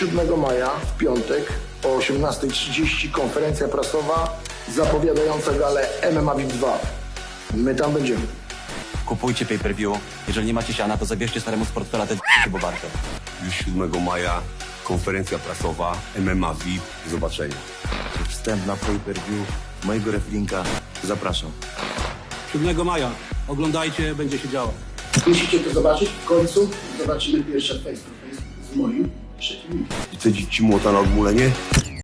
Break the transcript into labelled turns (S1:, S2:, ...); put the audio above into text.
S1: 7 maja w piątek o 18:30 konferencja prasowa zapowiadająca galę MMA VIP 2. My tam będziemy.
S2: Kupujcie pay-per-view. Jeżeli nie macie siana, to zabierzcie staremu z portfela te bo warte.
S3: Już 7 maja konferencja prasowa MMA VIP. Do zobaczenia.
S4: Wstęp na pay-per-view mojego wrestlinga. Zapraszam.
S5: 7 maja. Oglądajcie, będzie się działo.
S1: Musicie to zobaczyć, w końcu zobaczymy pierwsze face to face z moim przeciwnikiem.
S3: I co ci młota na odmulenie?